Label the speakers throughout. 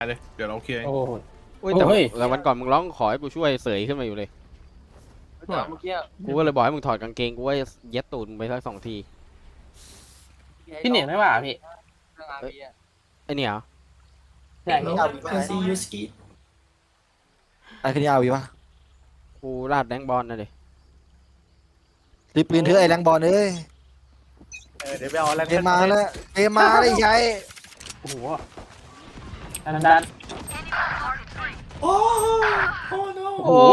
Speaker 1: เลยเดี๋ยวเราเคลียร์
Speaker 2: โอ้โห
Speaker 3: อุ้ยแต่วันก่อนมึงร้องขอให้กูช่วยเสยขึ้นมาอยู่เลย
Speaker 4: แต่เมื่อกี้
Speaker 3: กูก็เลยบอกให้มึงถอดกางเกงกูว่าเย็ดตูดมึงไปสัก2 ที
Speaker 2: พี่เหนียงไม่ว่าพี่
Speaker 3: ไอเนี่ยเหรอ
Speaker 2: ใช่พี่
Speaker 5: ซียูสกีไอ้คนนี้เอาอยู่ปะ
Speaker 3: กูลาดแดงบอลนะดิ
Speaker 5: รีบปืนเถอะไอ้แรงบอลเอ้ย
Speaker 4: เดี๋ยวไปเอาอะไร
Speaker 5: เกมมาแล้วเกมมาได้ใช้
Speaker 2: โอ้โหดัน
Speaker 5: โอ้โอ้ no
Speaker 3: โอ้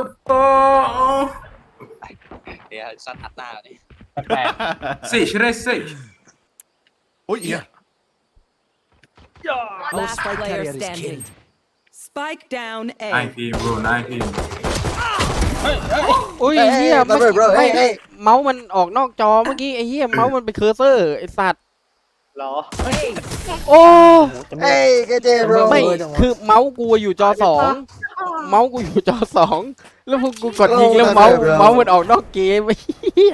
Speaker 4: เดี๋ยวซัดอัดหน้าดิ
Speaker 2: แปลก
Speaker 1: Sage right Sage โอ้ยเหี้ย
Speaker 6: Last player standing. Spike down A.
Speaker 1: 19 bro
Speaker 3: อุ้ยเฮียไม่เมาส์มันออกนอกจอเมื่อกี้ไอ้เฮียเมาส์มันเป็นเคอร์เซอร์ไอ้สัตว์
Speaker 4: หรอ
Speaker 3: โอ้
Speaker 5: เอ้ยเกเจโบร
Speaker 3: ไม่คือเมาส์กูอยู่จอ2เมาส์กูอยู่จอ2แล้วพวกกูกดยิงแล้วเมาส์มันออกนอกเกมไอ้เฮีย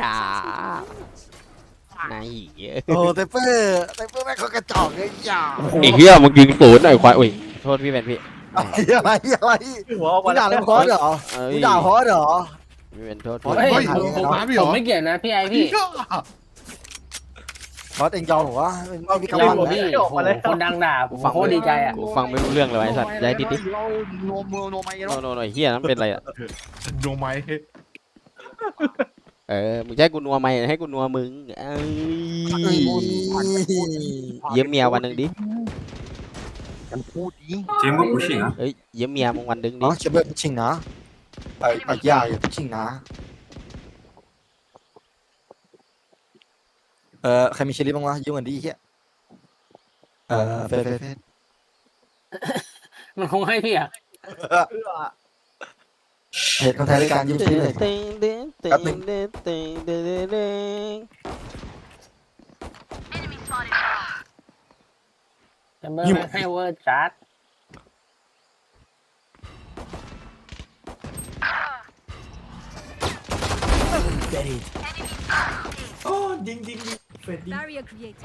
Speaker 3: นายเหี้ย
Speaker 5: โอ้เตเปอร์แม่งเขากระจอกเลยอย่า
Speaker 3: ไอ้เฮียมึงยิงศูนย์ไอ้ควายอุ้ยโทษพี่เป็นพี่
Speaker 5: อะไร
Speaker 4: หัวออก
Speaker 5: มึ
Speaker 4: มาง
Speaker 5: ด่าเล่นฮอสเหรอมึงด่าฮอสเหรอ
Speaker 3: พี่เป็นโทษ
Speaker 5: โอ้
Speaker 3: พี่
Speaker 5: ย
Speaker 2: ผมไม่เกี่ยวนะพี่ไอพี่
Speaker 5: ฮอสเองยอมเหรอวะไม่มี
Speaker 2: ย
Speaker 5: กำ
Speaker 2: อ
Speaker 5: ลั
Speaker 2: ม
Speaker 5: ง
Speaker 2: พี่
Speaker 5: เลย
Speaker 2: โอ้โหคนดังด่าผมโคตรดีใจอ่ะ
Speaker 3: กูฟังไม่รู้เรื่องเลยว่ะไอ้สัตว์ย้ายดิดิ
Speaker 5: เราโนมือโนไม
Speaker 3: โนเฮียนั้นเป็นอะไรอ่ะ
Speaker 1: โนไม
Speaker 3: มึงจะให้กูนัวไหมให้กูนัวมึงเอ้ยเยี่ยมเมียวันหนึ่งดิ
Speaker 5: กันพูดดิ
Speaker 1: เจมส์ก็ผู้ชิงอ่ะ
Speaker 3: เอ้ยเยี่ยมเมียมึงวันหนึ่งดิ
Speaker 5: อ๋อจะเบิร์ชิงนะไปยากอยู่ชิงนะใครมีเชลิบ้างวะยืมเงินดิเฮียเฟส
Speaker 2: มันคงให้พี่อ่ะ
Speaker 5: เหตุคนไทยด้วยการยืมเชลิเลย
Speaker 3: เต็งเต็งเต็ง
Speaker 5: แป๊บหนึ่ง
Speaker 3: เต็งเต็งเต็งเต็งเต็ง
Speaker 2: จะเมื่อให้เวอร์จัด
Speaker 5: โอ้ดิงเฟดดิง
Speaker 6: Barrier created.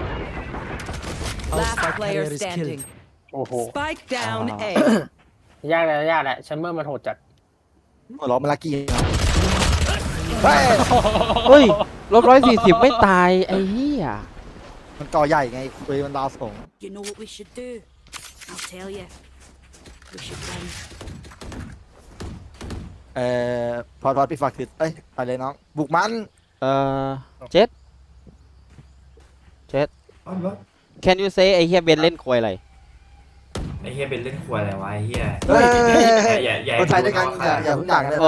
Speaker 6: Last player standing.
Speaker 2: โอ้โห
Speaker 6: Spike down A.
Speaker 2: ยากแหละแชมเบอร์มันโหดจัด
Speaker 5: หัวล้อมาลักกี้เฮ้ย
Speaker 3: เฮ้ย-140ไม่ตายไอ้เหี้ย
Speaker 5: มันก่อใหญ่ไงคุยมันดาวส่ง
Speaker 6: You know what we should do? I'll tell you. We should run.
Speaker 5: พอพี่ฝากติดไปเลยน้องบุกมัน
Speaker 3: เจ็ด Can you say ไอ้เหี้ยเบนเล่นควยอะไร
Speaker 7: ไอ้เฮียเป็นเล่นครัวอะไรวะไอ้เฮีย
Speaker 5: เฮ้ย
Speaker 7: อย่า
Speaker 5: คนไทยด้วยกันอย่าเพิ่งด่ากันเลย
Speaker 3: โอ้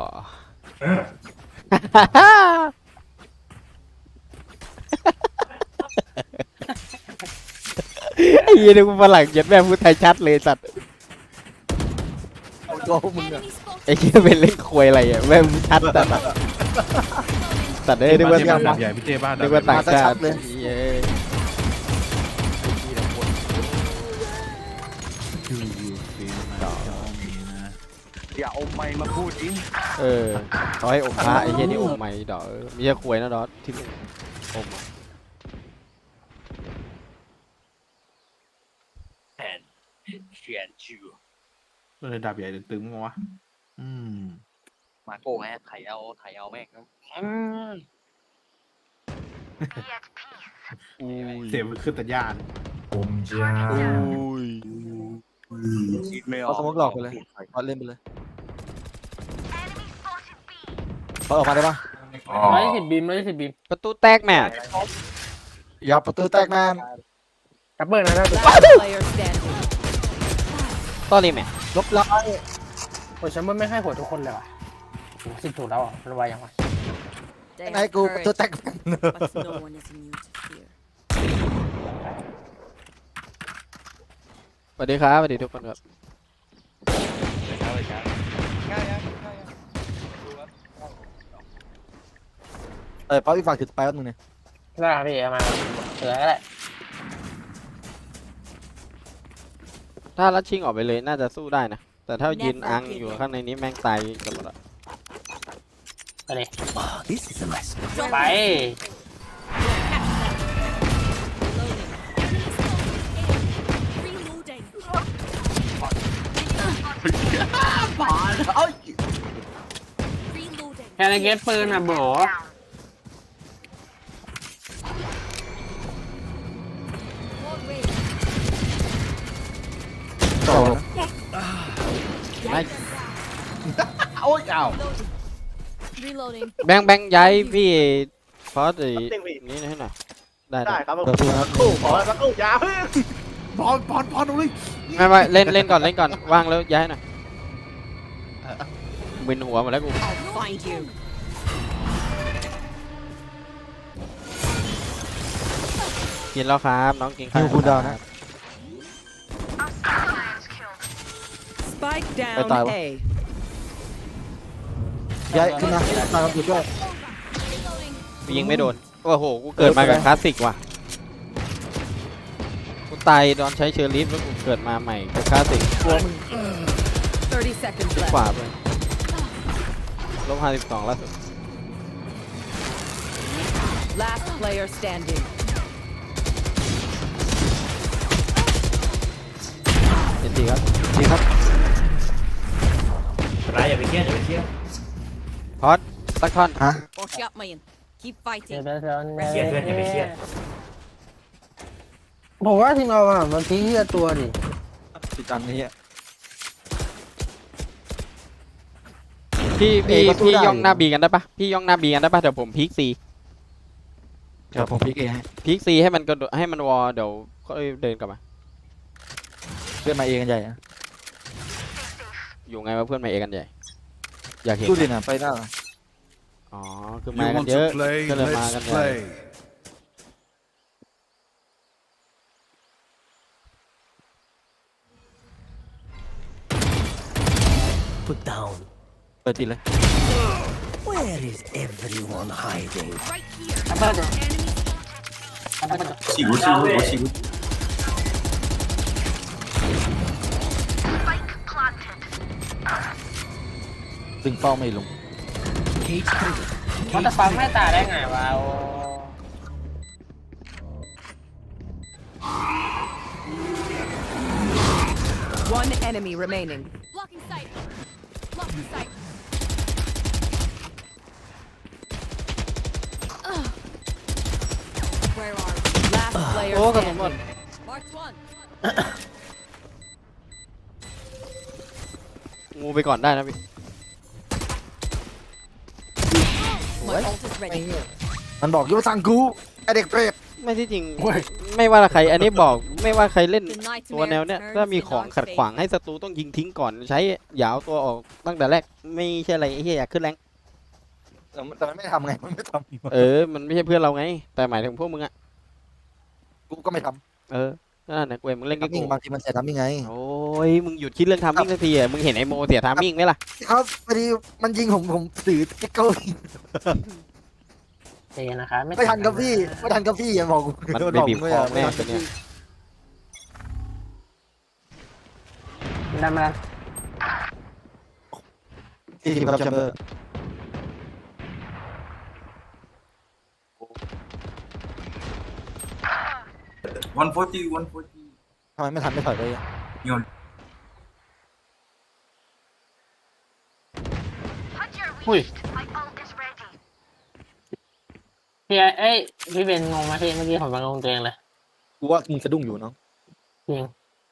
Speaker 3: ไอ้เหี้ยนึกว่าฝรั่งเจ็ดแม่พูดไทยชัดเลยสัตว์
Speaker 5: ตัวพวกมึงอะ
Speaker 3: ไอ้เหี้ยเป็นเล่นควยอะไรอ่ะแม่งชัดสัตว์สัตว์เอ้ยนึกว่า
Speaker 1: บ้านใหญ่พี่เจบ้าน
Speaker 3: นึกว่าต่างชาติเย้
Speaker 4: อย่าเอาไม้มาพูดดิ
Speaker 3: เขาให้อมพระไอ้เหี้ยนี่อมไหมดอกไม่ใช่ควยนะดอสที่มึงอม
Speaker 4: แผนเชียนชิว
Speaker 1: เลยดาบใหญ่ตึงมั้งวะ
Speaker 4: มาโก้ไงไถเอาแม่ง
Speaker 1: เสียงมันขึ้นแต่ย่าน
Speaker 7: ผมจะ
Speaker 4: คิดไม่ออ
Speaker 5: เอา
Speaker 4: ก
Speaker 5: สมมติหลอกไปเลยพอเล่นไปเลยพอออกมาได้ปะ
Speaker 2: 120บีม
Speaker 3: ประตูแตกแม่
Speaker 5: อย่าประตูแตกแมน
Speaker 2: กระเบิดนะ
Speaker 6: Last player standing.
Speaker 3: ตอนนี้แม่
Speaker 5: ลบร้อย
Speaker 2: โอ้ยแชมเบอร์ไม่ให้หัวทุกคนเลยว่ะ10 ถูกแล้วอ่ะมันไวยังไง
Speaker 6: They
Speaker 5: ให้
Speaker 6: have
Speaker 5: กูประตู
Speaker 6: courage,
Speaker 5: แตกแมน
Speaker 6: but no one is immune to fear.
Speaker 3: สวัสดีครับสวัสดีทุกคนครับ
Speaker 5: พอพี่ฝากถือไปแป๊บนึงเนี่ย
Speaker 2: ได้ครับพี่เอามาเหลือก็ได้
Speaker 3: ถ้ารัดชิงออกไปเลยน่าจะสู้ได้นะแต่ถ้ายืนอังอยู่ข้างในนี้แม่งตายกันหมดละ
Speaker 2: ไปเลย
Speaker 6: Reloading.
Speaker 2: ไป
Speaker 6: Reloading.
Speaker 1: ผ่านเอ้ย
Speaker 6: Reloading.
Speaker 2: แค่ในเก็บปืนอ่ะโบ
Speaker 6: Wall raised.
Speaker 5: ต่อ
Speaker 3: ไม่
Speaker 1: โอ้ยอ้าว
Speaker 6: Reloading.
Speaker 3: แบงค์ย้ายพี่ฟอสไอ้นี่ให้หน่อยได้
Speaker 8: ได้ครับผม
Speaker 5: เปิดตัวครับ
Speaker 8: กู้ขอสักกู้ยาเพิ่ง
Speaker 1: ปอนตรงนี้
Speaker 3: ไม่เล่นก่อนว่างแล้วย้ายหน่อยมึนหัวหมดแล้วกู
Speaker 6: I'll find you.
Speaker 3: กินแล้วครับน้องกินข้า
Speaker 5: คิ
Speaker 3: ว
Speaker 5: วคูลดาวน์นะ
Speaker 9: Spike
Speaker 5: ไป
Speaker 9: down
Speaker 5: ตายวะ
Speaker 9: A.
Speaker 5: ย้ายขึ้นมาตามคำพูดด้วย
Speaker 6: Reloading.
Speaker 3: ยิงไม่โดนโอ้โหกูเกิดมากับคลาสสิกว่ะกูตายตอนใช้เชอร์ลิฟแล้วกูเกิดมาใหม่กับคลาสสิก
Speaker 9: 30 seconds
Speaker 3: ข
Speaker 9: left.
Speaker 3: วาไป-52ล่าสุด
Speaker 9: Last player standing.
Speaker 3: เจ็ดทีครับ
Speaker 5: ดีครับ
Speaker 7: ไรอย่าไปเครียดอย่าไปเครียด
Speaker 3: พอดสักท่อน
Speaker 5: ฮะ
Speaker 6: Watch out, man. Keep
Speaker 2: เดี๋ยว
Speaker 6: fighting.
Speaker 2: เดี๋ยว
Speaker 7: ไม่เครียดเพื่อนอย่าไปเครียด
Speaker 2: ผมว่าทีมเราอ่ะมันทิ้งเหี้ยตัวดิ
Speaker 5: ติดตันนี่
Speaker 3: พี่
Speaker 5: เอ้ยก็สู้ได้
Speaker 3: ย่องหน้าบีกันได้ปะพี่ย่องหน้าบีกันได้ปะเดี๋ยวผมพีคซี
Speaker 5: เดี๋ยวผมพลิกเองให้
Speaker 3: พีคซีให้มันกระโดดให้มันวอลเดี๋ยวก็เดินกลับมา
Speaker 5: เพื่อนมาเองกันใหญ่นะ
Speaker 3: อยู่ไงวะเพื่อนมาเอกันใหญ่อยากเห็น
Speaker 5: ดูดิน่ะไปหน้า
Speaker 3: อ๋อคือ
Speaker 1: You
Speaker 3: มากัน
Speaker 1: want
Speaker 3: เยอะ
Speaker 1: to play?
Speaker 3: ก็เลยมากัน
Speaker 1: Let's
Speaker 3: ใหญ่
Speaker 1: play.
Speaker 8: Put down
Speaker 5: เปิดติดเลย
Speaker 8: Where is everyone hiding
Speaker 6: Right here.
Speaker 2: อัปเปอร์
Speaker 1: 洗过，我洗过。
Speaker 5: ดึงเป้าไม่ลง
Speaker 8: Cage trigger
Speaker 2: มันจะฟังไม่ตายได้ไงวะโอ้
Speaker 9: One enemy remaining.
Speaker 6: Blocking sight. Blocking sight. Ugh. Where are we?
Speaker 9: Last player
Speaker 3: โอ้กระสุนหมด
Speaker 9: standing.
Speaker 6: Marked one.
Speaker 3: งูไปก่อนได้นะพี่
Speaker 6: My ult is ready.
Speaker 5: มันบอกอยู่ว่าสั่งกูไอเด็กเปรต
Speaker 3: ไม่ที่จริงไม่ว่าใครอันนี้บอกไม่ว่าใครเล่น
Speaker 6: The
Speaker 3: ตัวแนว
Speaker 6: nightmare
Speaker 3: เนี้ย
Speaker 6: turns
Speaker 3: ถ้ามี
Speaker 6: to
Speaker 3: ของ
Speaker 6: dark
Speaker 3: ขัดขวาง
Speaker 6: fate.
Speaker 3: ให้ศัตรูต้องยิงทิ้งก่อนใช้อย่าเอาตัวออกตั้งแต่แรกไม่ใช่อะไรไอ้เหี้ยอยากขึ้นแรง
Speaker 5: แต่มันไม่ทำไงมันไม่ทำ
Speaker 3: มันไม่ใช่เพื่อนเราไง แต่หมายถึงพวกมึงอะ
Speaker 5: กูก็ไม่ท
Speaker 3: นั่นนะกูเองมึงเล่น
Speaker 5: ำ
Speaker 3: กับ
Speaker 5: ทำมิ่
Speaker 3: กู
Speaker 5: งบางทีมันเสียทำมิ่งไง
Speaker 3: โอ้ยมึงหยุดคิดเรื่องทำมิ่งสักทีอะมึงเห็นไอโมเสียทามมิ่งไหมล่ะ
Speaker 5: ครับพอดีมันยิงผมสื่อติ๊กเกอร์
Speaker 2: ใจเย็นนะครับ
Speaker 5: ไม่ทันกับพี่ไม่ทันกับพี่อย่าบอกกู
Speaker 3: มัน
Speaker 5: โด
Speaker 3: ไป
Speaker 5: บอก
Speaker 3: บีบ
Speaker 5: กู
Speaker 3: คอ
Speaker 5: ไม่
Speaker 3: แม่
Speaker 5: ทัน
Speaker 3: ตั
Speaker 5: กั
Speaker 3: ว
Speaker 5: บ
Speaker 3: เนี้ย
Speaker 5: พี่
Speaker 2: ได้มาแล้ว
Speaker 5: ที่ครับแชมเบอร์
Speaker 1: 140.
Speaker 5: ทำไมไม่ทันไม่ถอยเลยอะ
Speaker 2: อุ้ยพี่เอ้ยพี่เบนงงไหมพี่เมื่อกี้ผมงงตัวเองเลย
Speaker 5: กูว่ามึงสะดุ้งอยู่เนาะ
Speaker 2: จริง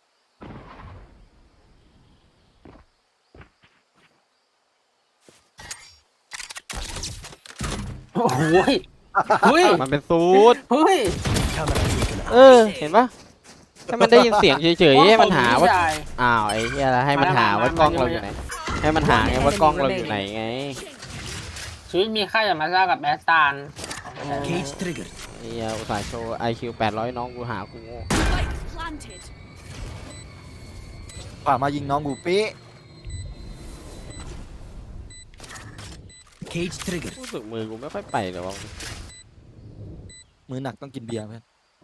Speaker 2: โอ้โหเฮ้ย
Speaker 3: มันเป็นสูตร
Speaker 2: เฮ้ย
Speaker 3: เห็นปะให้มันได้ยินเสียงเฉยๆให้มันหาว่า
Speaker 2: ใช่
Speaker 3: อ้าวไอ้เหี้ยแล้วให้มันหาว่ากล้องเราอยู่ไหนให้มันหาไงว่ากล้องเราอยู่ไหนไง
Speaker 2: ชีวิตมีค่าอย่ามาซ่ากับแอสตัน
Speaker 8: Cage trigger
Speaker 3: ไอ้เหี้ยอุตส่าห์โชว์ IQ 800น้องกูหากูโง่
Speaker 6: Spike planted.
Speaker 5: ผ่ามายิงน้องกูเป๊ะ
Speaker 8: Cage trigger
Speaker 3: รู้สึกมือกูไม่ค่อยไปเลยวะ
Speaker 5: มือหนักต้องกินเบียร์เพื่อน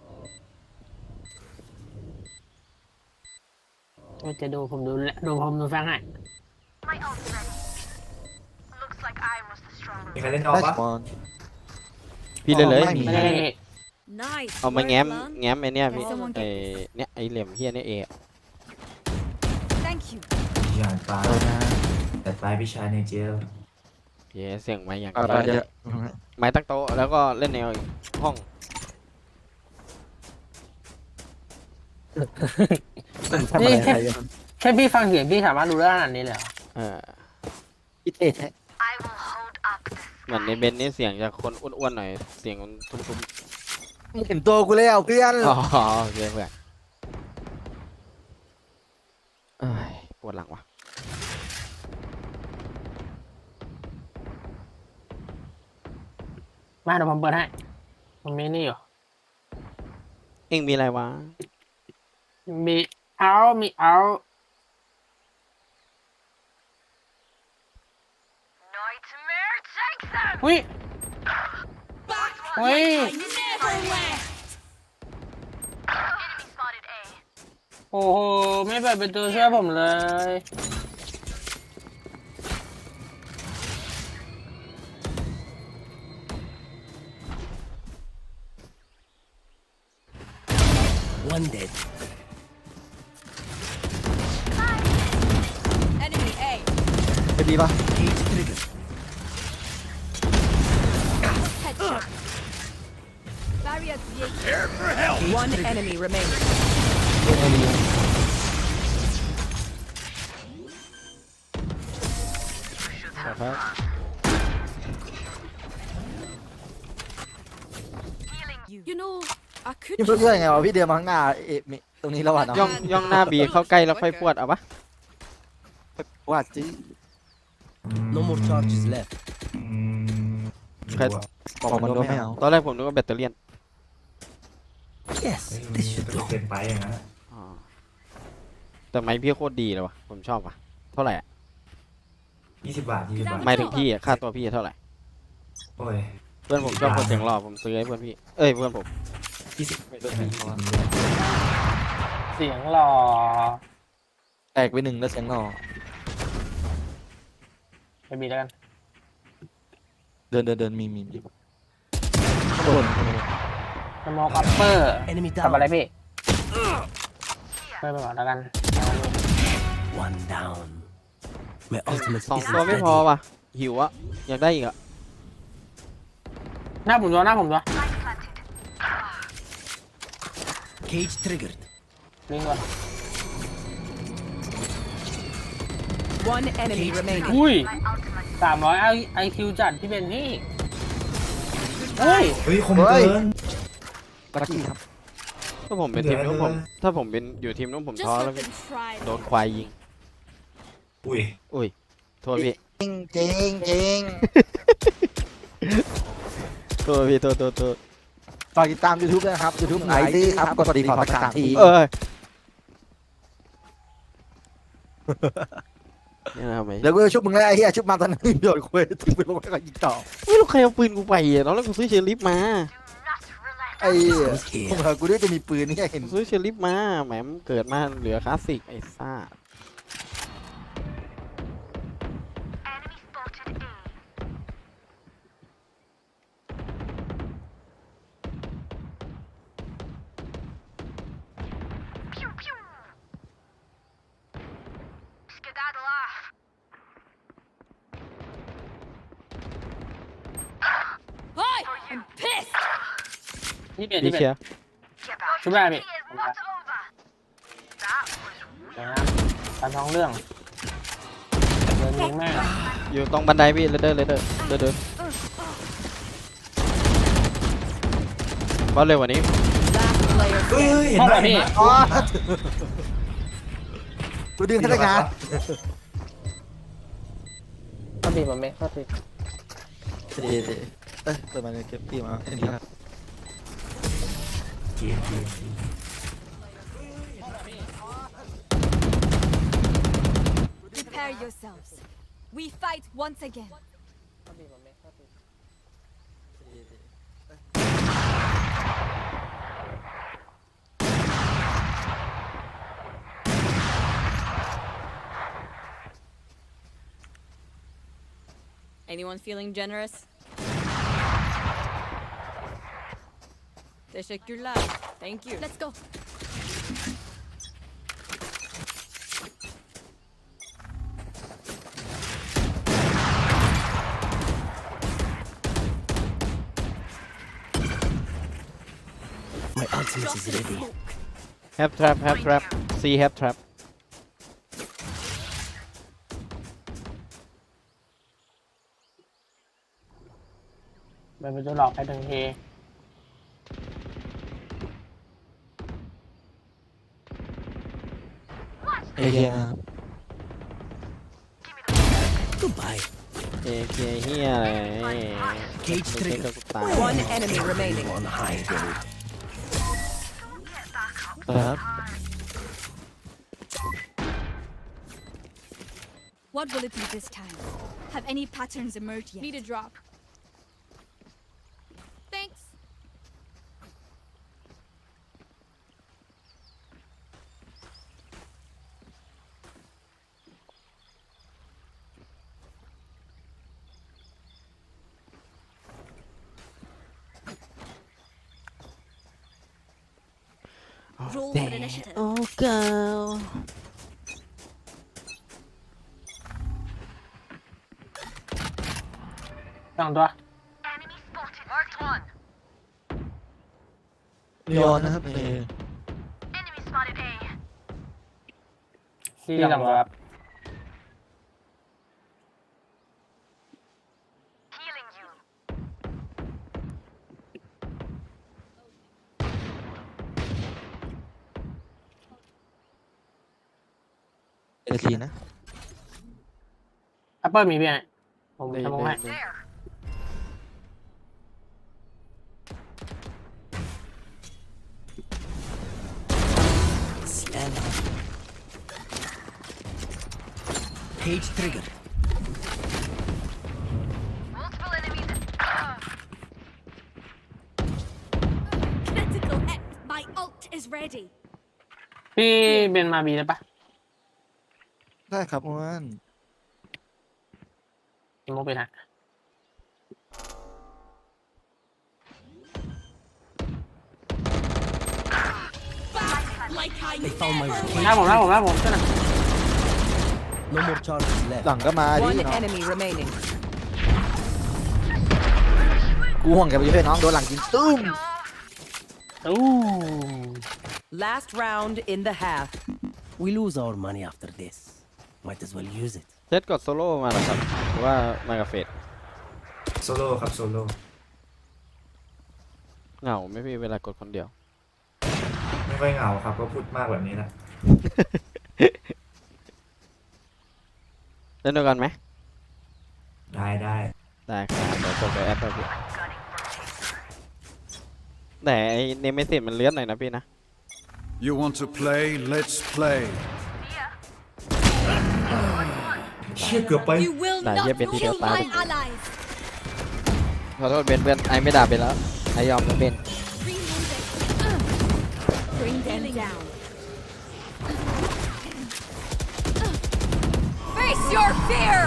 Speaker 2: จะดูผมดูแฟงให้
Speaker 7: มีใครเล่นออก
Speaker 5: ได้
Speaker 7: ปะ
Speaker 5: บอล
Speaker 3: พี่เลย
Speaker 5: ไม่มี
Speaker 2: ไม่ได้
Speaker 6: Nice.
Speaker 3: เอามาแง้ม
Speaker 6: Well done.
Speaker 3: ไอ้เนี่ยพี่
Speaker 6: Someone
Speaker 3: ไอ้
Speaker 6: get this.
Speaker 3: เนี่ยไอ้เหลี่ยมเฮียเนี่ย
Speaker 6: Thank you.
Speaker 7: ชายปลาแต่ปลายพี่ชายในเจล
Speaker 3: เย้เสียงไม้อย่าง
Speaker 5: อะไร
Speaker 3: เดียว
Speaker 5: เยอะ
Speaker 3: ไม้ตั้งโต๊ะแล้วก็เล่นแนวอีกห้อง
Speaker 5: ทำอะไรใครกัน
Speaker 2: แค่พี่ฟังเสียงพี่สามารถรู้ได้ขนาดนี้เลยเหรอ
Speaker 5: พี่เท่แท้
Speaker 3: เหมือนในเบนนี่เสียงจะคนอ้วนๆหน่อยเสียงมันทุ้ม
Speaker 5: มึงเห็นตัวกูแล้วเพื่อน
Speaker 3: ๆอ๋อโอเคเพื่อนเอ้ยปวดหลังว่ะ
Speaker 2: มาเดี๋ยวผมเปิดให้ผมมีนี่อยู่
Speaker 3: เอ็งมีอะไรวะ
Speaker 2: มีเอาอุ้ยอุ้ยโอ้โหไม่เปิดเป็นตัวเชื่อผมเลย
Speaker 8: One dead.
Speaker 9: Enemy A.
Speaker 5: เป็นดีปะ
Speaker 8: Cage triggered.
Speaker 6: Headshot. Barrier created.
Speaker 9: One enemy remaining.
Speaker 3: ครับ
Speaker 6: You know, I could
Speaker 5: พี่เพื่อนไงวะพี่เดินมาข้างหน้าเอ๊ะมีตรงนี้แล้ววะเนาะ
Speaker 3: ย่องหน้าบีเข้าใกล้แล้วค่อยพวดเอาปะ
Speaker 5: ว่าจี
Speaker 8: No more charges left.
Speaker 3: ใคร
Speaker 5: บอกมันโดนไม่เอา
Speaker 3: ตอนแรกผมนึกว่าแบตเตอรี่
Speaker 8: Yes, this should do.
Speaker 7: เกินไปอย่างนั้น
Speaker 3: อ๋อแต่ไม้พี่โคตรดีเลยวะผมชอบว่ะเท่าไหร่อะ
Speaker 7: 20 บาท20 บาท
Speaker 3: ไม่ถึงพี่อะค่าตัวพี่เท่าไหร่
Speaker 7: โอ้ย
Speaker 3: เพื่อนผมชอบคนเสียงหล่อผมซื้อให้เพื่อนพี่เอ้ยเพื่อนผม
Speaker 7: 20
Speaker 2: เสียงหล่อ
Speaker 5: แตกไปหนึ่งแล้วเสียงหล่อ
Speaker 2: ไปบีแล้วกัน
Speaker 5: เดินมีข้างบน
Speaker 2: สโมกอัปเปอร์
Speaker 8: Enemy
Speaker 2: ทำอะไร
Speaker 8: down.
Speaker 2: พี่ไม่ไปก่อนแล้วกัน
Speaker 8: One down. My ultimate
Speaker 3: สอง
Speaker 8: is
Speaker 3: ตัวไม่
Speaker 8: ready.
Speaker 3: พอว่ะหิวอะอยากได้อีกอะ
Speaker 2: หน้าผมตัว
Speaker 8: Cage triggered.
Speaker 2: ลิงก่อน
Speaker 9: One enemy remaining.
Speaker 2: อุ้ย300 IQ จัดพี่เบนนี่เฮ้ย
Speaker 7: เฮ้ยคมเกิน
Speaker 5: ลักกี้ครับ
Speaker 3: ถ้าผมเป็นทีมนู้นผมถ้าผมเป็นอยู่ทีมนู้นผม
Speaker 6: just
Speaker 3: ท้อ
Speaker 6: let
Speaker 3: แล้ว
Speaker 6: them try.
Speaker 3: โดนควายยิง
Speaker 7: อุ้ย
Speaker 3: อุ้ยโทษพี่
Speaker 5: จริง
Speaker 3: โทษพี่โทษ
Speaker 5: ฝากติดตาม YouTube ด้วยนะครับ YouTube ไหนดีครับกดดีพอร์ต3 ที
Speaker 3: เอ้ยนี่นะครับไหม
Speaker 5: เดี๋ยวกูจะชุบมึงแล้วไอ้เหี้ยชุบมาตอนนั้นโยนคุยทิ้งไปลงไปก็ยิงต่อ
Speaker 3: ไม่รู้ใครเอาปืนกูไปอะตอนแรกกูซื้อเชอริฟมา
Speaker 5: ไอ้เหี้ย
Speaker 8: Sneak
Speaker 5: ผม
Speaker 8: here.
Speaker 5: เหรอกูด้วยจะมีปืนนี่แค่เห็น
Speaker 3: ซื้อเชอริฟมาแหมเกิดมาเหลือคลาสสิกไอ้ซ่า
Speaker 6: Hi, I'm pissed.
Speaker 2: นี่เบน
Speaker 3: ดี
Speaker 2: นี่เบ
Speaker 3: เชีย
Speaker 2: น
Speaker 3: ร์
Speaker 2: ชุบได้พี่เดี๋ยวนะตามท้องเรื่องเดินยิงแม่ง
Speaker 3: อยู่ตรงบันไดพี่เดินบอลเร็วกว่านี้
Speaker 9: Last player
Speaker 7: เฮ้ย
Speaker 9: standing.
Speaker 7: เห็น
Speaker 2: เท่า
Speaker 7: ไห
Speaker 2: ไห
Speaker 7: ม
Speaker 2: ร่พี่
Speaker 5: อ๋อกูดึงพนักงาน
Speaker 2: ก็ตีผมเองก็ตี
Speaker 5: ดีเอ้ยเปิดมาในเก็บพี่มาอันนี้ครับ
Speaker 7: เกียร์
Speaker 6: Prepare yourselves. We fight once again.
Speaker 2: ก็ตีผมเองก็ตี
Speaker 9: Anyone feeling generous? Teşekkürler. Thank you.
Speaker 6: Let's go.
Speaker 8: ultimate is ready.
Speaker 3: have trap C have trap
Speaker 2: มันเป็นตัวหลอกไปหนึ่งที
Speaker 5: เอเฮีย
Speaker 8: Goodbye.
Speaker 3: เอเคเฮียอะไร
Speaker 8: Cage
Speaker 3: ไม่
Speaker 8: trigger.
Speaker 3: ใช่ก็ตาย
Speaker 9: One enemy remaining.
Speaker 8: On hiding.
Speaker 5: ครับ
Speaker 6: What will it be this time? Have any patterns emerged yet?
Speaker 9: Need a drop. Thanks.
Speaker 6: Roll for initiative.
Speaker 3: โอ้เกิล
Speaker 2: สองตัว
Speaker 5: ลีออนนะครับเอ
Speaker 2: ที่สองตัวครับ
Speaker 5: เอซีนะ
Speaker 2: แอปเปิลมีพี่ไงผม
Speaker 3: ได้
Speaker 2: ทำมองให้
Speaker 3: ได้
Speaker 8: Slam. Cage trigger.
Speaker 6: Critical hit. My ult is ready.
Speaker 2: พี่เบนมาบีได้ปะ
Speaker 5: ได้ครับอ้วน
Speaker 2: โมเป็นฮะ
Speaker 6: Like I
Speaker 8: They found my
Speaker 2: หน้าผมหน้าผมหน้าผมช่วยหน่อย
Speaker 8: No more charges left.
Speaker 5: หลังก็มาดิ
Speaker 9: One
Speaker 5: น้อง
Speaker 9: enemy remaining.
Speaker 5: กูห่วงแกไปช่วยน้องโดนหลังกินตุ้ม
Speaker 2: อู้
Speaker 9: Last round in the half.
Speaker 8: We lose our money after this. Might as well use it.
Speaker 3: เซตกดโซโล่มาแล้วครับหรือว่ามากับเฟด
Speaker 7: โซโล่ครับโซโล่
Speaker 3: เหงาไหม่พี่เวลากดคนเดียว
Speaker 7: ไม่ค่อยเหงาครับก็พูดมากแบบนี้แหละ
Speaker 3: เล่นด้วยกันไหม
Speaker 7: ได้ได้
Speaker 3: ได้ครับเดี๋ยวกดไปแอดไปพี่แต่ไอ้เนมเมสิตมันเลื่อนหน่อยนะพี่นะ
Speaker 1: You want to play? Let's play.
Speaker 7: เชี่ยเกือบไป
Speaker 6: You will
Speaker 3: Nah,
Speaker 6: not
Speaker 3: yeah, bên đi
Speaker 6: kill
Speaker 3: đeo tay
Speaker 6: my
Speaker 3: được.
Speaker 6: allies.
Speaker 3: ขอโทษเบนเพื่อนไอไม่ด่าไปแล้วไอยอมนะเบน
Speaker 6: Reloading. Bring them down.
Speaker 9: Face your fear.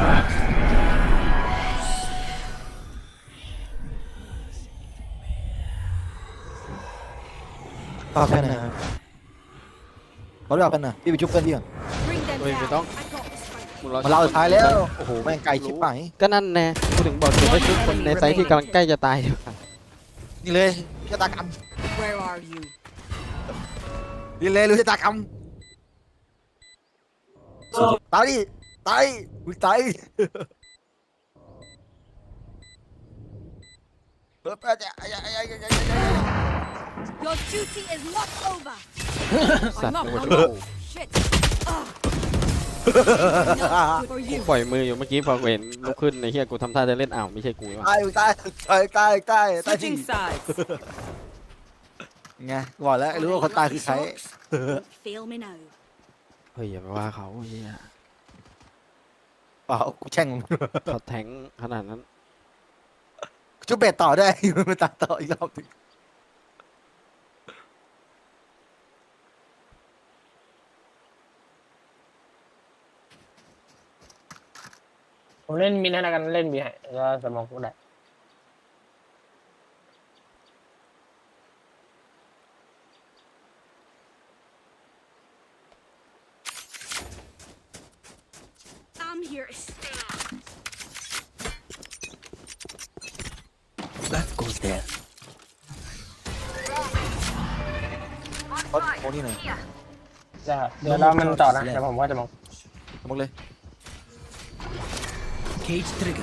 Speaker 5: ฝากเพื่อนนะครับเขาเรียกเพื่อนนะพี่ไปชุบเพื่อนพี่ก่อน
Speaker 6: Bring them
Speaker 3: Ôi, mày
Speaker 6: down.
Speaker 3: tóc.
Speaker 6: I got this fight.
Speaker 5: มาเล่าสุดท้ายแล้วโอ้โหแม่งไกลชิบหาย
Speaker 3: ก็นั่นแน่กูถึงบอกเก็บไว้ชุดคนในไซต์ที่กำลังใกล้จะตายดีกว่า
Speaker 5: นี่เลยชะตากรรม
Speaker 9: Where are you?
Speaker 5: นี่เลยรู้ชะตากรรมตายดิตายอุ้ยตายเฮ้ย
Speaker 6: Your duty is not over.
Speaker 3: สัตว์
Speaker 9: not
Speaker 3: กู
Speaker 9: hungry.
Speaker 6: Shit. For
Speaker 3: กู
Speaker 6: you.
Speaker 3: ปล่อยมืออยู่เมื่อกี้พอกูเห็นลุกขึ้นในเฮียกูทำท่าจะเล่นอ้าวไม่ใช่กูว่ะ
Speaker 5: ตายตายตายตายตายตายจริง
Speaker 9: Switching sides.
Speaker 5: ไงบอกแล้วรู้ว่าคนตายคือใคร
Speaker 6: Fail me now.
Speaker 3: เฮ้ยอย่าไปว่าเขาเฮีย
Speaker 5: เปล่ากูแช่ง
Speaker 3: เขาแทงขนาดนั้น
Speaker 5: ชุบเบ็ดต่อได้ มันตัดต่ออีกรอบนึง
Speaker 2: ผมเล่นมินให้แล้วกันเล่นบีให้แล้วก็สมองกูได้
Speaker 6: I'm here to stay.
Speaker 8: That goes there.
Speaker 5: เขาโมนี่หน่อย
Speaker 2: เดี๋ยวเรามันต่อนะเดี๋ยวผมว่าจะมอง
Speaker 5: สมมติเลย
Speaker 8: Cage trigger.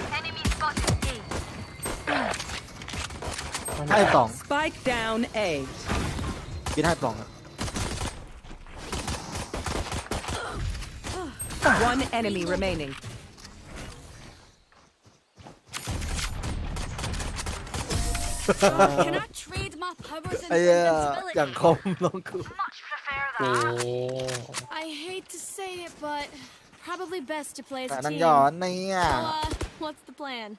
Speaker 5: ให้สอง
Speaker 9: Spike down A.
Speaker 5: กินให้สองอะ
Speaker 9: One enemy remaining.
Speaker 6: Cannot trade my powers
Speaker 5: ไอ้
Speaker 6: and
Speaker 5: เหี้ย
Speaker 6: invincibility.
Speaker 5: อย่างคมน้องกู
Speaker 2: นี่
Speaker 6: I hate to say it, but probably best to play as
Speaker 5: แต่
Speaker 6: a
Speaker 5: นั่ง
Speaker 6: team.
Speaker 5: ย้อนเนี่ย
Speaker 6: So, what's the plan?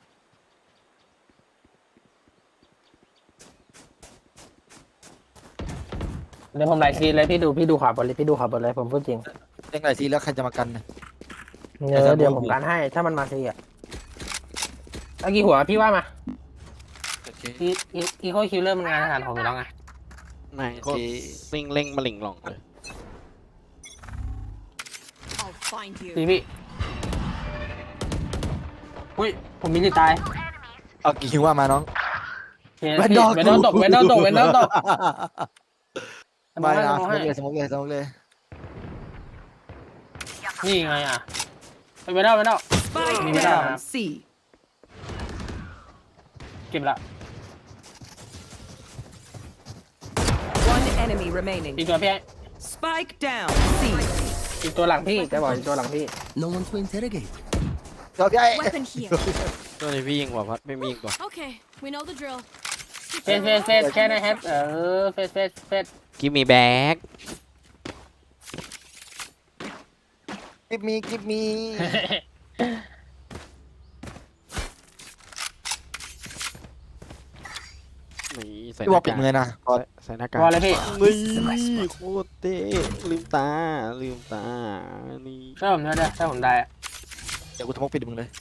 Speaker 2: เดี๋ยวผมไลฟ์ซีเลยพี่ดูขวาบนเลยพี่ดูขวาบนเลยผมพูดจริง
Speaker 5: เล่นไหนทีแล้วใครจะมากันเนี่ย
Speaker 2: เดี๋ยวผมการให้ถ้ามันมาซีอ่ะเอากี่หัวพี่ว่ามา
Speaker 4: โอเค
Speaker 2: อีโคคิวเลอร์มันงานอาหารผมอยู่แล้วไง
Speaker 3: นายก็ซิงเล่งมาหลิงหลองเลย
Speaker 6: I'll find you.
Speaker 2: พี่อุ้ยผมมีสิทธิ์ตาย
Speaker 5: เอากี่คิวว่ามาน้อง
Speaker 2: เวนดอลตก
Speaker 5: ไม่นะ
Speaker 2: มองให้
Speaker 5: สมมติเลย
Speaker 2: นี่ไงอ่ะเวนดอล
Speaker 9: Spike
Speaker 2: Maybe
Speaker 9: down
Speaker 2: not.
Speaker 9: C.
Speaker 2: เก็บละ
Speaker 9: One enemy remaining.
Speaker 2: อีกตัวพี่
Speaker 9: Spike down C.
Speaker 2: อีกตัวหลังพี่จะบอกอีกตัวหลังพี่
Speaker 8: No one to interrogate.
Speaker 5: เดี๋ยวพี่ไอ้
Speaker 6: Weapon here.
Speaker 3: ตัวนี้พี่ยิงกว่าพัดไม่มียิงกว่า
Speaker 6: Okay, we know the drill.
Speaker 2: เฟสแค่ไหนแฮปเฟส
Speaker 3: Give me back
Speaker 5: กิฟมี
Speaker 3: นี่ใส่
Speaker 5: พี่บอกปิดมือนะก่อน
Speaker 3: ใส่หน้ากาก
Speaker 2: พอเลยพี่
Speaker 3: นี่โคตรเท่ลืมตานี่
Speaker 2: ถ้าผมได้ถ้าผมได้
Speaker 5: เดี๋ยวกูสมมติปิดมึงเลย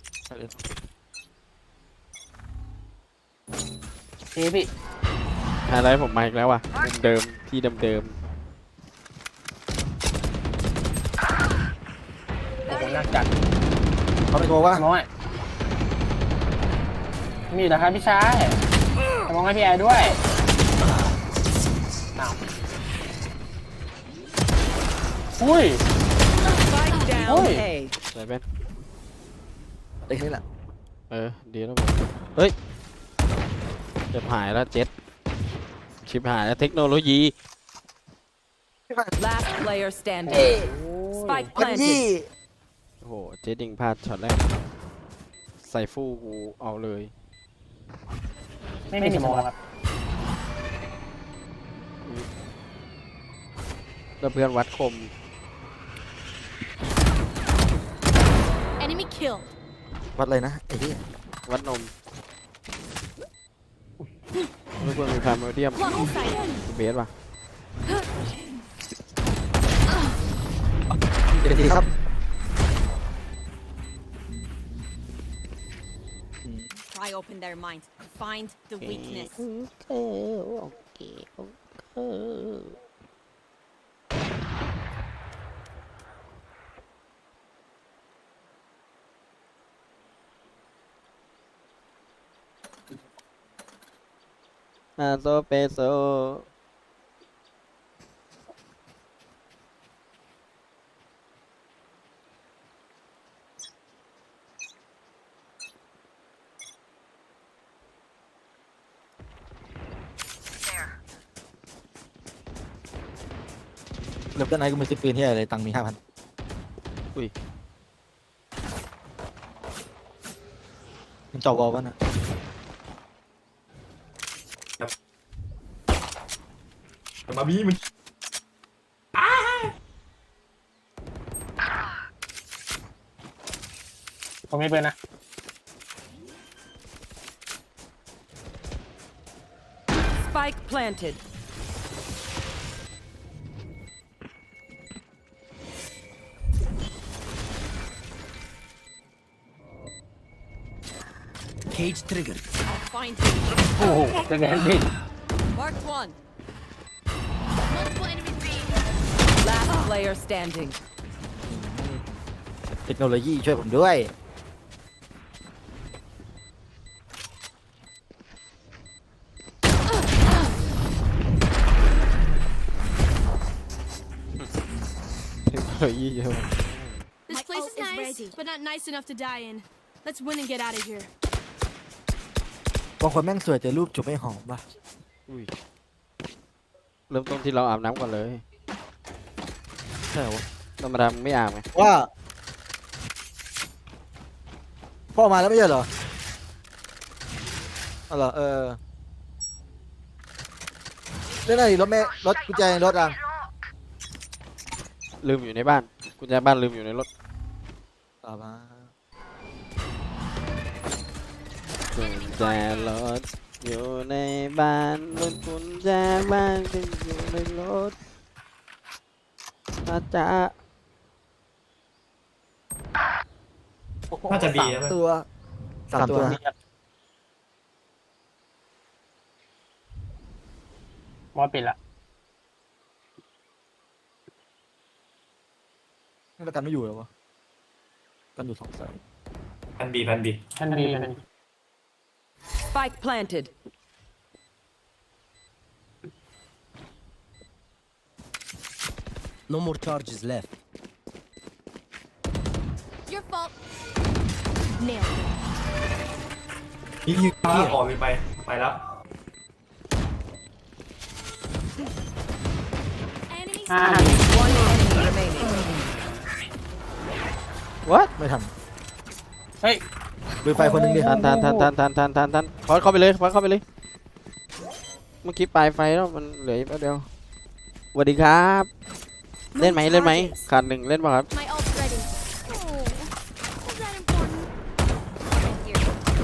Speaker 2: พี่
Speaker 3: ไฮไลท์ผมมาอีกแล้วว่ะมุมเดิมที่เดิม
Speaker 2: โอ้โหน่าจัด
Speaker 5: เขาไม่โทรว่า
Speaker 2: มองให้มีเหรอครับพี่ชายมองให้พี่แอร์ด้วยอ้าวอุ้ย
Speaker 9: Spike down
Speaker 2: Oi.
Speaker 9: A.
Speaker 3: ๆใส่เป็น
Speaker 5: เด็กนี่แหละ
Speaker 3: ดีแล้วเฮ้ยจะหายแล้วเจ็ดชิบหายแล้วเทคโนโลยี
Speaker 9: Last player standing. Spike
Speaker 5: มันยี่
Speaker 9: planted.
Speaker 3: โอ้โหเจ็ดยิงพลาดช็อตแรกใส่ฟู่กูเอาเลย
Speaker 2: ไม่มีสมองครับ
Speaker 3: แล้วเพื่อนวัดคม
Speaker 6: Enemy kill.
Speaker 5: วัดเลยนะไอ้ที่
Speaker 3: วัดนมแล้วเพื่อนมีพาร์มาเดียม
Speaker 6: Level sight.
Speaker 3: เบสป่ะ
Speaker 5: เดี๋ยวทีครับ
Speaker 6: Pry open their minds. Find the weakness.
Speaker 3: โซเปโซ
Speaker 5: เริ่มต้นไหนกูมีซื้อปืนที่อะไรตังค์มี5,000 มันจ่อวอลวะนะ
Speaker 7: มาบี้มัน
Speaker 2: ผมไม่เป็นนะ
Speaker 9: Spike planted.
Speaker 8: Cage triggered.
Speaker 6: I'll find you.
Speaker 2: โอ้โหจะแกนพี่
Speaker 6: Marked one. Multiple enemies B.
Speaker 9: Last player standing.
Speaker 5: เทคโนโลยีช่วยผมด้วย
Speaker 3: ฮ้ยเยอะ
Speaker 6: This
Speaker 10: My
Speaker 6: place
Speaker 10: ult
Speaker 6: is
Speaker 10: is
Speaker 6: nice,
Speaker 10: ready.
Speaker 6: but not nice enough to die in. Let's win and get out of here.
Speaker 5: บางคนแม่งสวยแต่รูปจุบไม่หอมป่ะ
Speaker 3: อุ้ยเริ่มต้นที่เราอาบน้ำก่อนเลย
Speaker 5: ใช่เหรอวะ
Speaker 3: ธรรมดามึงไม่อาบไง
Speaker 5: ว่าพ่อมาแล้วไม่ใช่เหรออ๋อเหรอเรื่องอะไรรถแม่รถกุญแจรถอ่ะ
Speaker 3: ลืมอยู่ในบ้านกุญแจบ้านลืมอยู่ในรถ
Speaker 5: ต่อมา
Speaker 3: กุญแจรถอยู่ในบ้านรถกุญแจบ้านก็อยู่ในรถอาจจะ
Speaker 7: น่าจะบีนะ
Speaker 5: ตัวสามตัว
Speaker 2: มอสปิดละ
Speaker 5: แล้วกันไม่อยู่แล้ววะกันอยู่สองสาย
Speaker 7: พันบี
Speaker 2: แพนบีแพนบี
Speaker 9: Spike planted.
Speaker 8: No more charges left.
Speaker 6: Your fault. Nailed it.
Speaker 7: ยิงออกเลยไปแล้ว
Speaker 6: Enemy
Speaker 2: อ่า
Speaker 9: One enemy remaining.
Speaker 3: what
Speaker 5: ไม่ทัน
Speaker 2: เฮ้ย
Speaker 5: ดูไฟคนหนึ่งดิ
Speaker 3: ทันพอดเข้าไปเลยพอดเข้าไปเลยเมื่อกี้ปลายไฟแล้วมันเหลืออีกแป๊บเดียวสวัสดีครับ เล่นไหมขาดหนึ่งเล่นป่ะครับ
Speaker 6: My ult's ready. Oh, was that important? Thank you.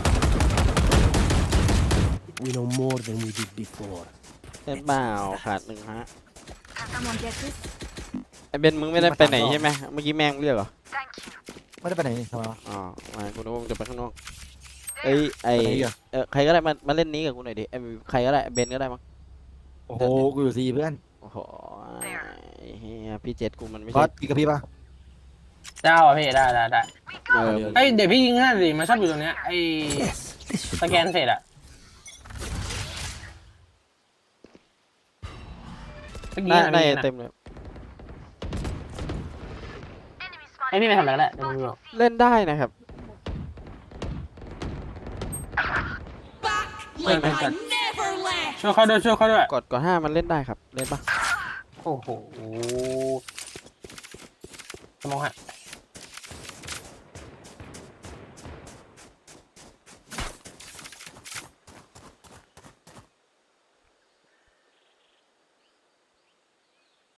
Speaker 8: We know more than we did before.
Speaker 3: เล่นเปล่าขาดหนึ่งฮะ
Speaker 6: Someone get this?
Speaker 3: ไอเบนมึงไม่ได้ไปไหนใช่ไหมเมื่อกี้แม่งเรียกเหรอ
Speaker 5: ไม่ได้ไปไหนนี่ทำไมวะ
Speaker 3: อ๋อมากูนึกว่ามึงจะไปข้างนอกเอ้ยไอ
Speaker 5: ไปไหนอีกอะ
Speaker 3: ใครก็ได้มาเล่นนี้กับกูหน่อยดิใครก็ได้เบนก็ได้มั้ง
Speaker 5: โอ้โหกูอยู่ซีเพื่อน
Speaker 3: โอ้โหเฮียพี่เจ็ดกูมันไม่
Speaker 5: บอ
Speaker 3: ใช่
Speaker 5: สกี่กับพี่ป่ะ
Speaker 2: เจ้าอ่ะพี่ได้
Speaker 3: เออ
Speaker 2: เอ้ยเดี๋ยวพี่ยิงให้ดิมันชอบอยู่ตรงเนี้ยไอ้
Speaker 8: Yes, this should
Speaker 2: สแกนเสร็จอะเมื่อกี้
Speaker 3: ได้
Speaker 2: นะ
Speaker 3: เต็มเลย
Speaker 2: ไอ้พี่ไปทำอะไรกันแหละเดี๋ยวมึงดู
Speaker 3: เล่นได้นะครับ
Speaker 6: Like I never left.
Speaker 2: ช่วยเขาด้วย
Speaker 3: กด5มันเล่นได้ครับเล่นปะ
Speaker 2: โอ้โหสมองฮะ